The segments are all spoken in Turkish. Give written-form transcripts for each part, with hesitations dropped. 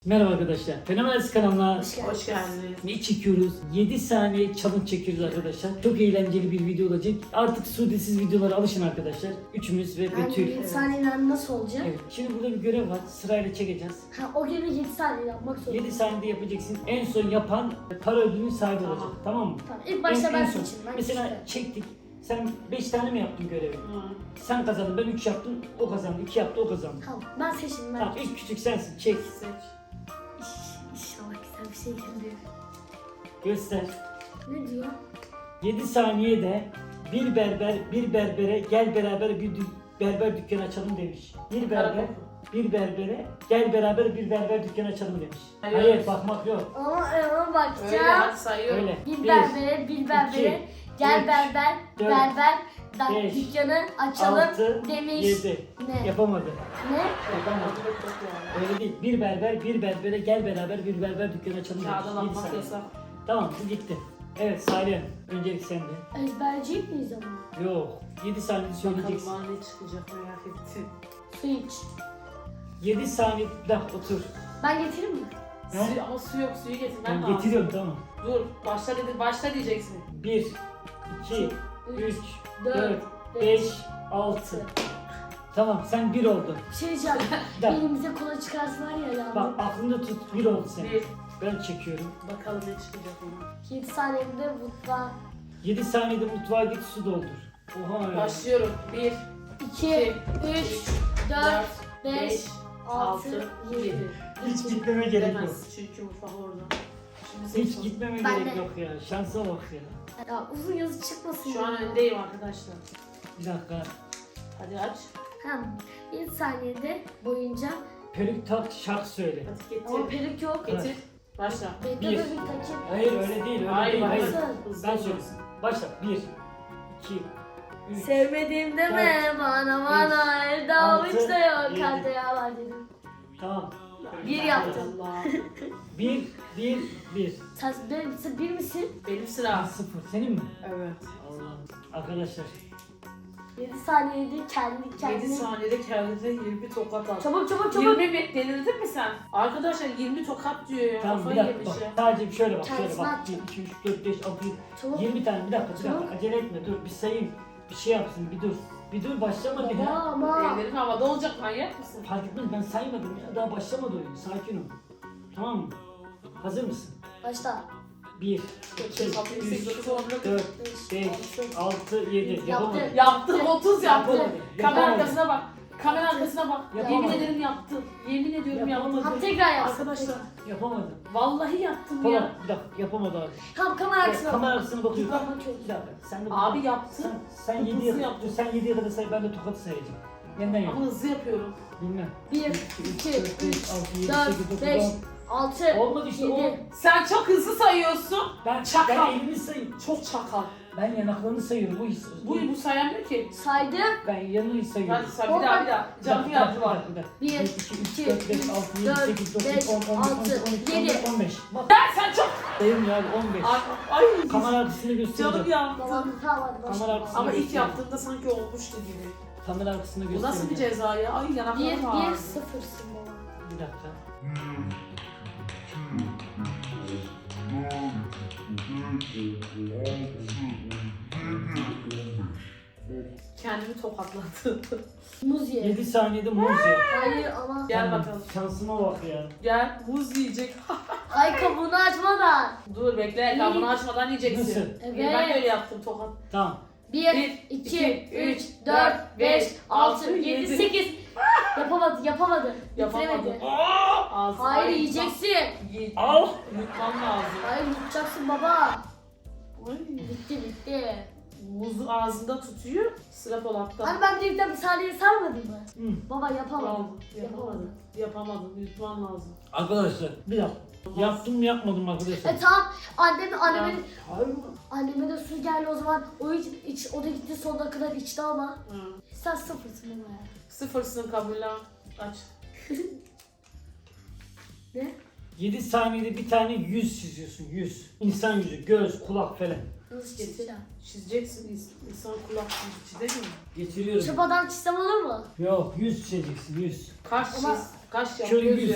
Merhaba arkadaşlar. Fenomenal kanalına Hoş geldiniz. ne çekiyoruz? 7 saniye challenge çekiyoruz arkadaşlar. Çok eğlenceli bir video olacak. Artık Suudesiz videolara alışın arkadaşlar. Üçümüz ve Betül. 7 saniyeler nasıl olacak? Evet. Şimdi burada bir görev var. Sırayla çekeceğiz. Ha, o görevi 7 saniye yapmak zorunda. 7 saniyede yapacaksın. En son yapan para ödülünün sahibi olacak. Tamam mı? Tamam, ilk başta En ben son. seçeyim. Ben Mesela işte. çektik. Sen 5 tane mi yaptın görevi? Sen kazandın, ben 3 yaptım, o kazandı. 2 yaptı, o kazandı. Tamam, ben seçeyim. Ben. Tamam, ilk küçük sensin. Çek. Seç. İnşallah güzel bir şey geliyor. Göster. Ne diyor? 7 saniyede bir berber bir berbere gel beraber bir berber dükkanı açalım demiş. Bir berber bir berbere gel beraber bir berber dükkanı açalım demiş. Hayır, bakmak yok. Ama Öyle bakacağım. hadi sayıyorum. Öyle. Bir berbere, bir berbere, gel üç, berber, dört, berber, beş, dükkanı açalım 6, demiş. 7. Ne? Yapamadı. Ne? Yapamadı. Öyle değil. Bir berber bir berbere gel beraber bir berber dükkanı açalım demiş. Kağıda 7 bakmak saniye. yasak. Tamam, bu gitti. Evet Salih, öncelik sende. Ezberciyik miyiz ama? Yok. 7 saniyede Bakalım söyleyeceksin. bana ne çıkacak merak ettim. Su iç. 7 saniye bir dakika otur. Ben getireyim mi? Ne? Ama su yok, suyu getirmen Ben lazım. getiriyorum, tamam. Dur, başla diyeceksin. 1, 2, 3, 4, 4, 5, 6. Tamam, sen 1 oldun. Bir şey diyeceğim. Bir dakika. Elimize kola çıkarsa var ya ya. Bak aklında tut, 1 oldu sen. Bir. Ben çekiyorum. Bakalım ne çıkacak ona. 7 saniyede mutfağa. 7 saniyede mutfağa git, su doldur. Oha ya. Başlıyorum. 1, 2, 3, 4, 5, 6, 6, 7. 7. Hiç gitmeme gerek yok. Demez çünkü mutfak orada. Şimdi Hiç seç. gitmeme Ben gerek de. yok ya. Şansa bak ya. Ya uzun yazı çıkmasın. Şu an ya. öndeyim arkadaşlar. Bir dakika. Hadi aç. Hem 7 saniyede boyunca Peruk tak, şarkı söyle. Hadi ama getir. peruk yok. Getir. Başla. Bekle Bir. de bir takip. Hayır öyle değil, öyle Hayır, değil. hayır. Hayır. Hızlı Ben ol. söylesin. Başla. 1, 2, 3, Sevmediğim deme bana evde avuç da yok. 7. Kalpte yağ var dedim. tamam. Bir yaptım. Allah. 1, 1, 1. Sen bir misin? Benim sıra. 0. Senin mi? Evet. Allah. Arkadaşlar. 7 saniyede kendi 7 kendine. saniyede kendine 20 tokat at. Çabuk çabuk 20 çabuk. mi? Delirdin mi sen? Arkadaşlar 20 tokat diyor ya. Tamam, bir Kafayı dakika yemiş bak. ya. Sadece bir şöyle bak. Şöyle Kendisine bak. atacağım. 1, 2, 3, 4, 5, 6, 7. Çabuk. 20 tane. Bir dakika. Çabuk. Acele etme. Dur. Bir sayayım. Bir şey yapsın. Bir dur. Bir dur. Başlama bir Baba ya. ama. Ellerin havada olacak, manyak mısın? Fark etmez. Ben saymadım ya. Daha başlamadı oyun. Sakin ol. Tamam mı? Hazır mısın? Başla. 1, 2, 3, 4, 5, 6, 7. Yapamadım. Yaptın, 30 yaptın. Yapamadım. Kamera Yapamadım. arkasına bak. Kamera arkasına bak. Yapamadım. Yemin ederim yaptın. Yemin ediyorum Yapamadım. yaptın. Hadi tekrar yap. Arkadaşlar Yapamadım. vallahi yaptım Tamam. ya. Bir dakika. Yapamadı abi. Tamam kamera arkasına. Kamera arkasına bakıyorum. Bak bakıyorum. Bir dakika. Sen de bak. Abi yaptın. Sen Hızlı 7'ye yaptın. sen 7'ye kadar say, ben de tokatı sayacağım. Yeniden yap. Ama hızlı yapıyorum. Bilmem. 1, 2, 2, 4, 5, 6, 7, 4, 8, 9, 5, 10. 6, Olmadı işte o. 7. Sen çok hızlı sayıyorsun. Ben Çakal. elimi sayıyorum. Çok çakal. Ben yanaklarını sayıyorum. Bu sayamıyor ki. Saydım. Ben yanını sayıyorum. Hadi say bir daha bir daha. Canlı yaptılar. 1, 1, 2, 3, 2, 4, 5, 6, 7, 8, 9, 10, 11, 12, 13, 14, 15. Bak Sen çok... sayıyorum ya 15. Ay. Kamera arkasını göstereceğim. Canım yandı. Tamam tamam hadi Kamera başla. arkasına Ama ilk göstereceğim. yaptığında sanki olmuştu gibi. Kamera arkasını Bu göstereceğim. nasıl bir ceza ya? Ay 1, yanaklarım 1, ağrıdı. 0'sın baba. Bir dakika. Kendimi tokatladım. Muz ye. 7 saniyede muz ye. Hayır ama. Gel bakalım. Şansıma bak ya. Gel muz yiyecek. Ay kabuğunu açmadan. Dur bekle kabını açmadan yiyeceksin. Nasıl? Evet. Ben öyle yaptım tokat. Tamam. 1, 1, 2, 3, 4, 5, 6, 7, 8. Yapamadı, yapamadı. Yapamadım. Bitiremedi. Ağzı. Hayır Ay, yiyeceksin. Ye- Al. Yutman lazım. Hayır yutacaksın baba. Ay. Bitti. Muzu ağzında tutuyor. Sıra Polat'ta. Hani ben bir saniye sarmadım mı? Hı. Baba yapamadım. Tamam, yapamadın. Yapamadın. Yutman lazım. Arkadaşlar bir dakika. Yaptım mı yapmadım mı arkadaşlar? Tamam. Anneme Hayır mı? anneme de su geldi o zaman. O da gitti sonuna kadar içti ama. Hı. Sen sıfırsın baba ya. Sıfırsın kabul aç. Ne? 7 saniyede bir tane yüz çiziyorsun. Yüz. İnsan yüzü, göz, kulak falan. Nasıl Getir. çizeceğim? Çizeceksin insan kulak çizer mi? Getiriyorum. Çapadan çizsem olur mu? Yok, yüz çizeceksin, yüz. Kaş Ama- çiz. Kaş yap. Şöyle göz yüz. yap.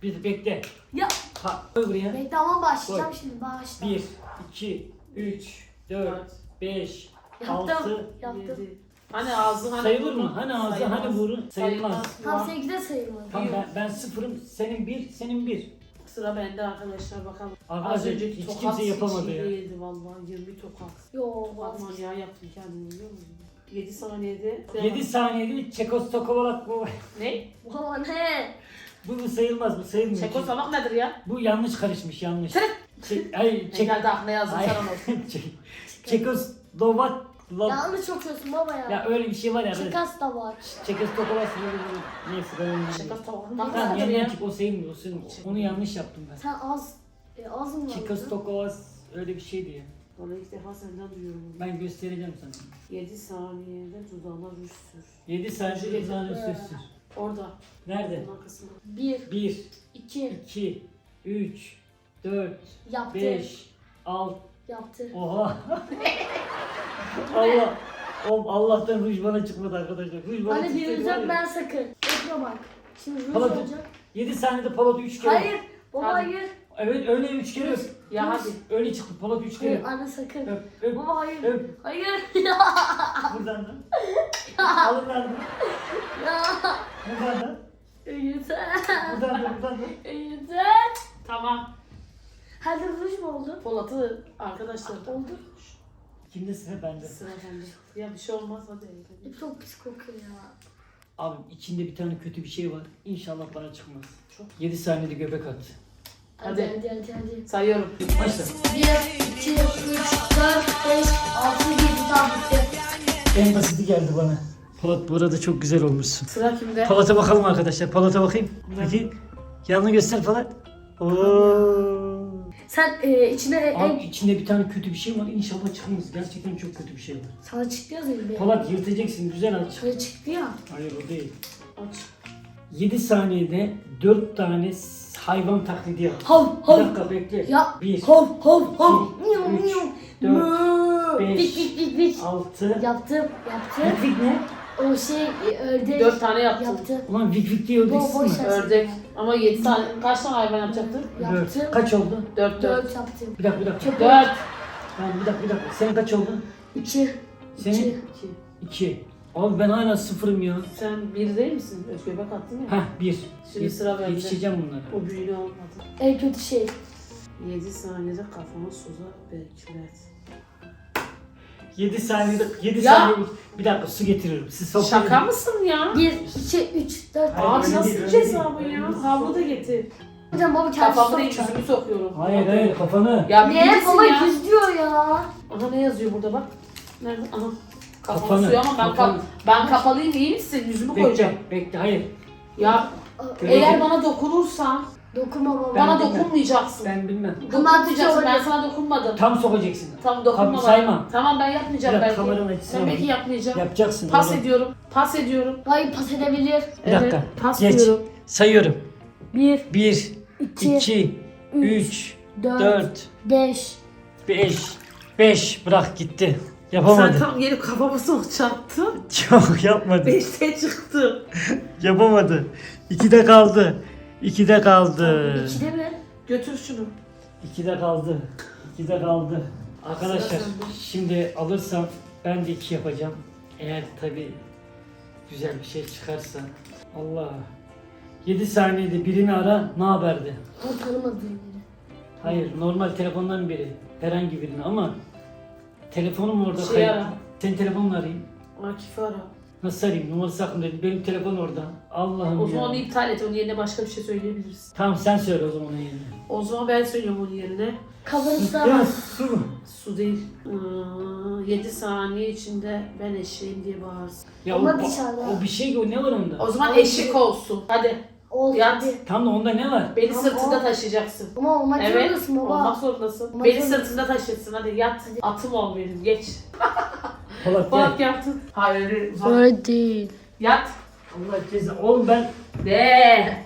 Bir bekle. Ya. Koy buraya. Bekle ama başlayacağım Koy. şimdi. Başla. 1, 2, 3, 4, 5, Yaptım. 6. Yaptım. 7. Hani ağzı hani Sayılır mı? burun. Hani ağzı Sayılmaz. hani burun sayılmaz. Tam seninki de sayılmadı. Tamam ben sıfırım, senin 1, senin 1. Sıra bende arkadaşlar bakalım. Arkadaşlar, Az önceki hiç tokat kimse yapamadı hiç iyi ya. değildi vallahi 20 tokat. Yo. Bakma ya yaptım kendimi biliyor musun? 7 saniyede. 7 saniyede Çekoslovakolak bu. Ne? Baba ne? Bu sayılmaz, bu sayılmıyor. Çekoslovak nedir ya? Bu yanlış karışmış, yanlış. Çek. Hayır, Ne geldi aklına yazdın Hayır. sen onu. Çekoslovak. Yanlış okuyorsun baba ya. Ya öyle bir şey var ya. Çıkas da var. Çekoslovakolak. Neyse ben onu bilmiyorum. Çekoslovak Tamam nedir yeniden ya? çık, o sayılmıyor, o sayılmıyor. Onu yanlış yaptım ben. Sen az mı var? Çekoslovakolak öyle bir şeydi ya. Vallahi ilk defa senden duyuyorum. Ben göstereceğim sana. 7 saniyede dudağına ruj sür. 7 saniyede uzağını sürsün. Orada. Nerede? Bunun arkasına. 1, 1, 2, 2, 3, 4, yaptı. 5, 6. Yaptı. Oha. Allah. Oğlum Allah'tan ruj bana çıkmadı arkadaşlar. Ruj bana Hani çıksaydı bir var olacak ya. ben sakın. Bekle bak. Şimdi ruj Palat- olacak. 7 saniyede Polat 3 kere. Hayır. Baba Hadi. hayır. Evet öyle 3 kere. öp. Ya hadi. Öyle çıktı Polat 3 kere. Hayır anne sakın. Öp öp Baba hayır. öp. Hayır. Buradan da. Alın lan. Ya. Buradan da. Yeter. Buradan da buradan da. Yeter. Tamam. Hadi ruj mu oldu? Polat'ı arkadaşlar. Oldu. Kimde sıra bende. Sıra bende. Ya bir şey olmaz hadi. Çok pis kokuyor ya. Abi içinde bir tane kötü bir şey var. İnşallah bana çıkmaz. Çok. 7 saniyede göbek at. Hadi Hadi. hadi hadi. hadi. Sayıyorum. Başla. 1, 2, 3, 4, 5, 6, 7 tam bitti. En basiti geldi bana. Polat bu arada çok güzel olmuşsun. Sıra kimde? Polat'a bakalım arkadaşlar. Polat'a bakayım. Peki. Yanını göster Polat. Oo. Sen içine Abi içinde bir tane kötü bir şey var. İnşallah çıkmaz. Gerçekten çok kötü bir şey var. sana çıktı ya Zeynep. Polat yırtacaksın. Güzel aç. Sana çıktı ya. Hayır o değil. Aç. 7 saniyede 4 tane hayvan taklidi yap. Hav Bir hav. dakika bekle. Ya. 1, Hav hav hav. 2, Miyav 3, miyav. 4, Mö. 5, Bik bik bik bik. 6. Yaptım. Vik ne? O şey ördek. 4 tane yaptım. Yaptı. Ulan vik vik diye öldürsün Boş mü? ver. Ördek. Ama 7 tane. Kaç tane hayvan yapacaktın? Yaptım. Kaç oldu? 4 4 yaptım. Bir dakika. Çok 4. Tamam bir dakika. Senin kaç oldu? 2. Senin? 2. 2. Abi ben hala sıfırım ya. Sen 1 değil misin? Göbek attın ya. Heh 1. Şimdi sıra bende. Yetişeceğim bunlara. O büyüğünü olmadı. En kötü şey. 7 saniyede kafamı suza beklet. 7 saniyede 7 Ya. saniye. Bir dakika su getiriyorum. Siz sofraya. Şaka mısın ya? 1, 2, 3, 4. Hayır, Abi öyle nasıl değil, öyle ceza bu değil. ya? Öyle değil. Havlu da getir. Hocam baba kendisi Kafamı değil sokacak. yüzümü sokuyorum. Hayır kafanı. Ya bir Ne bilirsin baba ya. yüz diyor ya. Aha ne yazıyor burada bak. Nerede? Aha. Kafam Kafanı, suyu ama kafanı. ben kapalıyım iyi misin? Yüzümü koyacağım. Bekle hayır. Ya eğer bana dokunursan Dokunma baba. bana bilmem. dokunmayacaksın. Ben bilmem. Dokunmayacaksın. Ben Tamam, sana dokunmadım. Tam sokacaksın. Tamam dokunma Tamam, bana. saymam. Tamam ben yapmayacağım Bir dakika, belki. kameranın açısına Ben belki bak. yapmayacağım. Yapacaksın. Pas oğlum. ediyorum. Pas ediyorum. Hayır pas edebilir. Bir dakika. Evet, pas Geç. diyorum. Sayıyorum. 1, 1, 2, 2, 3, 4, 4, 5. 5. 5. Bırak gitti. Sen Yapamadı. tam gelip kafama sokacaktın. Çok yapmadı. 5'te çıktı. Yapamadı. 2'de kaldı. 2'de kaldı. 2'de mi? Götür şunu. 2'de kaldı. 2'de kaldı. Arkadaşlar Sıra sende. şimdi alırsam ben de 2 yapacağım. Eğer tabi güzel bir şey çıkarsa. Allah. 7 saniyede birini ara ne haberdi? O tanımadığım biri. Hayır normal telefondan biri. Herhangi birini ama telefonum orada Şey kayıp. ara. Senin telefonla arayayım. Akif'i ara. Nasıl arayayım? Numarası aklımda değil. Benim telefon orada. Allah'ım O ya. zaman onu iptal et. Onun yerine başka bir şey söyleyebiliriz. Tamam sen söyle o zaman onun yerine. O zaman ben söylüyorum onun yerine. Kafanızda Ya su. Su değil. 7 saniye içinde ben eşeğim diye bağırsın. Ya Ama o, dışarıda. o bir şey o ne var onda? O zaman Ama eşek olsun. Hadi oldu. Yat. Hadi. Tam da onda ne var? beni Ama sırtında o- taşıyacaksın. Ama olmak Evet. zorundasın baba. Olmak zorundasın. Olmak Beni zorunda- sırtında taşırsın. Hadi yat. Atım ol benim. Geç. Polat Bak gel. yaptın. Hayır öyle uzak. Öyle değil. Yat. Allah ceza. Oğlum ben De.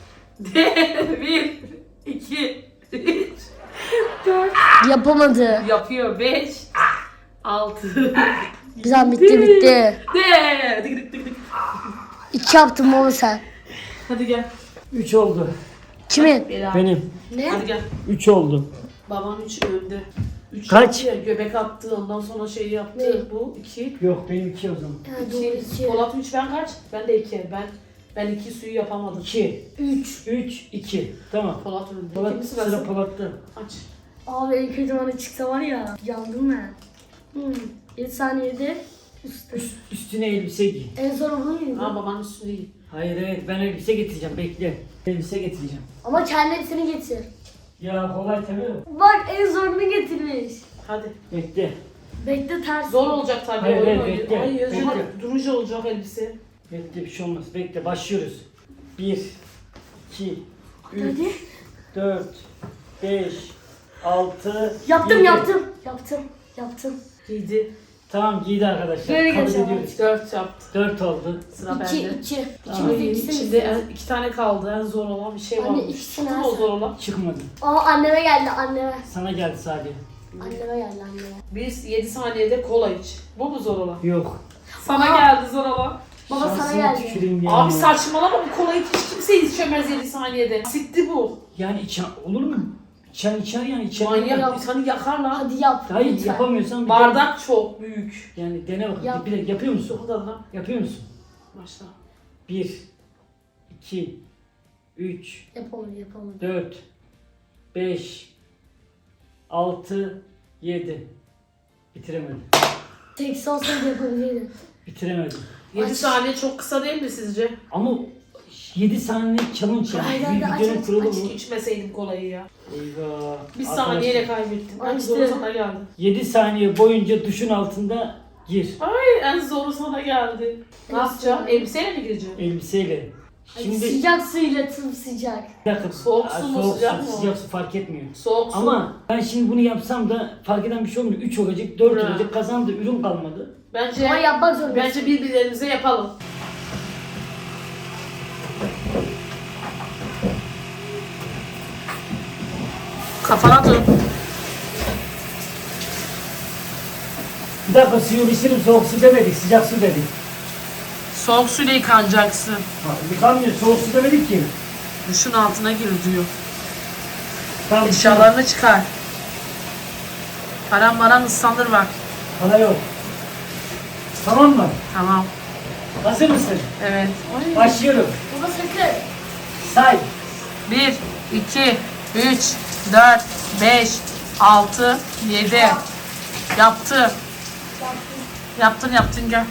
1, 2, 3, 4. Yapamadı. Yapıyor. 5, 6. Güzel bitti bitti. De. Dık dık dık dık. 2 yaptın baba sen. Hadi gel. 3 oldu. Kimin? Bela. Benim. Ne? Hadi gel. 3 oldu. Babam 3 önde. 3 Kaç? Göbek attı, ondan sonra şey yaptı. Ne? Bu 2. Yok benim 2 o zaman. Ha, doğru 2. Polat 3, ben kaç? Ben de 2. Ben 2 suyu yapamadım. 2, 3. 3, 2. Tamam. Polat önde. Polat, İkinci sıra sırası. Polat'ta. Aç. Abi en kötü bana çıksa var ya. Yandım ben. 7 saniyede üstü. Üstüne elbise giy. En zor bunu muydu? Ha babanın üstünde iyi. Hayır ben elbise getireceğim bekle. Elbise getireceğim. Ama kendi hepsini getir. Ya kolay tabii mi? Bak en zorunu getirmiş. Hadi. Bekle. Bekle ters. Zor olacak tabii. Hayır, oyun hayır, oynuyor. bekle, Ay Özcan bekle. durunca olacak elbise. Bekle bir şey olmaz. Bekle başlıyoruz. 1, 2, 3, Hadi. 4, 5, 6, Yaptım yaptım. Giydi. Tamam giydi arkadaşlar. Böyle Kabul geçelim. ediyoruz. 4 yaptı. 4 oldu. Sıra 2 bende. 2. Tamam. Ay, İkimiz de içinde ikisini. 2 tane kaldı. En zor olan bir şey Anne, var. ikisini Çıktı mı o alsana. zor olan? Çıkmadı. Aa anneme geldi anneme. Sana geldi sadece. Anneme geldi anneme. Biz 7 saniyede kola iç. Bu mu zor olan? Yok. Sana Aa. geldi zor olan. Baba sana Şansına geldi. tüküreyim ya. Abi saçmalama, bu kolayı hiç kimse içemez 7 saniyede. Sitti bu. Yani içen olur mu? İçer yani içer. Manyak, insanı yakar lan. Hadi yap. Hayır lütfen. yapamıyorsan bir Bardak çok büyük. yani dene bakalım. Yap. Bir de yapıyor musun? Çok da lan. Yapıyor musun? Başla. 1, 2, 3, Yapamadım. 4, 5, 6, 7. Bitiremedim. Tek olsaydı yapabilirdim. Bitiremedim. 7 Aç. saniye çok kısa değil mi sizce? Ama 7 saniye challenge Hayır, yani. Bir aç, videonun aç, kurulu aç. bu. İçmeseydim kolayı ya. Eyvah. Bir Arkadaşlar, saniyeyle kaybettim. En Açtı. zoru sana geldi. 7 saniye boyunca duşun altında gir. Ay en zoru sana geldi. Ne yapacağım? Elbiseyle mi gireceğim? Elbiseyle. Şimdi Şimdi sıcak suyla sıcak. bir dakika. Soğuk su mu, soğuk sıcak su, mı? sıcak su fark etmiyor. Soğuk su. Ama ben şimdi bunu yapsam da fark eden bir şey olmuyor. 3 olacak, 4 Ha. olacak. Kazandı, ürün kalmadı. Bence Ama yapmak zorundasın. bence birbirlerimize yapalım. Kafana dur. Bir dakika suyu pişirim, soğuk su demedik, sıcak su dedik. Soğuk suyla yıkanacaksın. Ha, yıkanmıyor, soğuk su demedik ki. Duşun altına gir diyor. Tamam, Eşyalarını çıkar. Paran maran ıslanır bak. para yok. Tamam mı? Tamam. Hazır mısın? Evet. Başlıyorum. Baba sakın. Say. 1, 2, 3, 4, 5, 6, 7. Yaptı. Yaptın gel.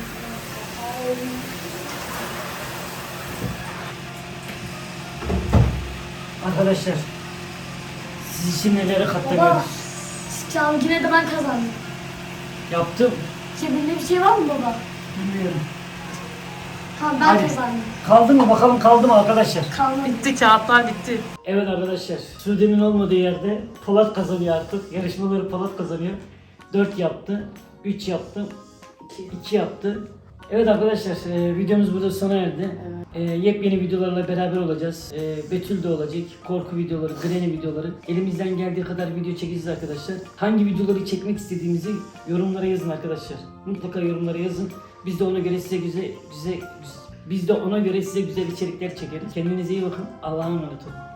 Arkadaşlar, siz için nelere Baba. katlanıyoruz. Tamam yine de ben kazandım. Yaptım. Cebinde bir şey var mı baba? Bilmiyorum. Tamam ben Hadi. kazandım. Kaldı mı? Bakalım kaldı mı arkadaşlar? Kalmadı. Bitti, kağıtlar bitti. Evet arkadaşlar, Sude'nin olmadığı yerde Polat kazanıyor artık. Yarışmaları Polat kazanıyor. 4 yaptı, 3 yaptı, 2 yaptı. Evet arkadaşlar, videomuz burada sona erdi. Yepyeni videolarla beraber olacağız. Betül de olacak, korku videoları, Granny videoları. Elimizden geldiği kadar video çekeceğiz arkadaşlar. Hangi videoları çekmek istediğimizi yorumlara yazın arkadaşlar. Mutlaka yorumlara yazın. Biz de ona göre size güzel içerikler çekeriz. Kendinize iyi bakın. Allah'a emanet olun.